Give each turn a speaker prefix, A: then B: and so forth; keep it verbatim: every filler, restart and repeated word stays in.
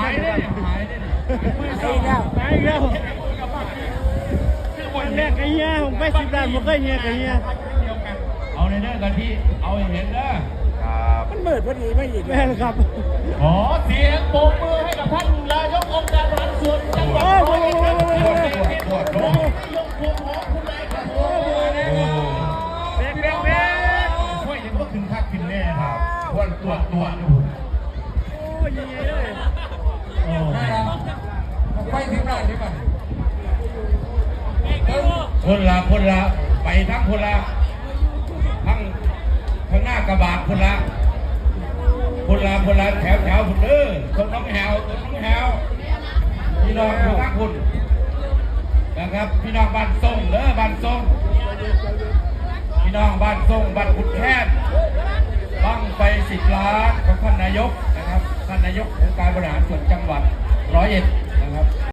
A: ายได้หายได้
B: ไอ้แล้วไอ้แล้ววันแรกไอ้เหี้ยผมไปสิบล้านผมเคยเหี้ยไอ้เหี้ย
A: เอาในเด้อกันที่เอาให้เห็นเด้อ
C: ครับ
B: มันเบิดพอดีไม่หยิบแม่ครับ
A: ขอเสียงปรบมือให้กับท่านนายกองค์การบริหารส่วนจังหวัดร้อยเอ็ดครับ
C: ปวดปวด
A: ยกพวงของคุณนายครับโอ้
B: เบกเบกเบก
A: ช่วยยังก็ขึ้นคักขึ้นแน่ครับปวดปวดปวดโ
B: อ้ยยังไงเลย
A: อ้
C: ไปถึงไหนดีป่ะ
A: คนละคนละไปทั้งคนละทั้งข้างหน้ากระบะคนละคนละคนละแถวแถวคุณเด้อคนน้องแหวคนน้องแหวพี่น้องอยู่ทั้งคุณนะครับพี่น้องบ้านทรงเด้อบ้านทรงพี่น้องบ้านทรงบ้านขุดแค้นบังไปสิบล้านของท่านนายกนะครับท่านนายกองค์การบริหารส่วนจังหวัดร้อยเอ็ดนะครับ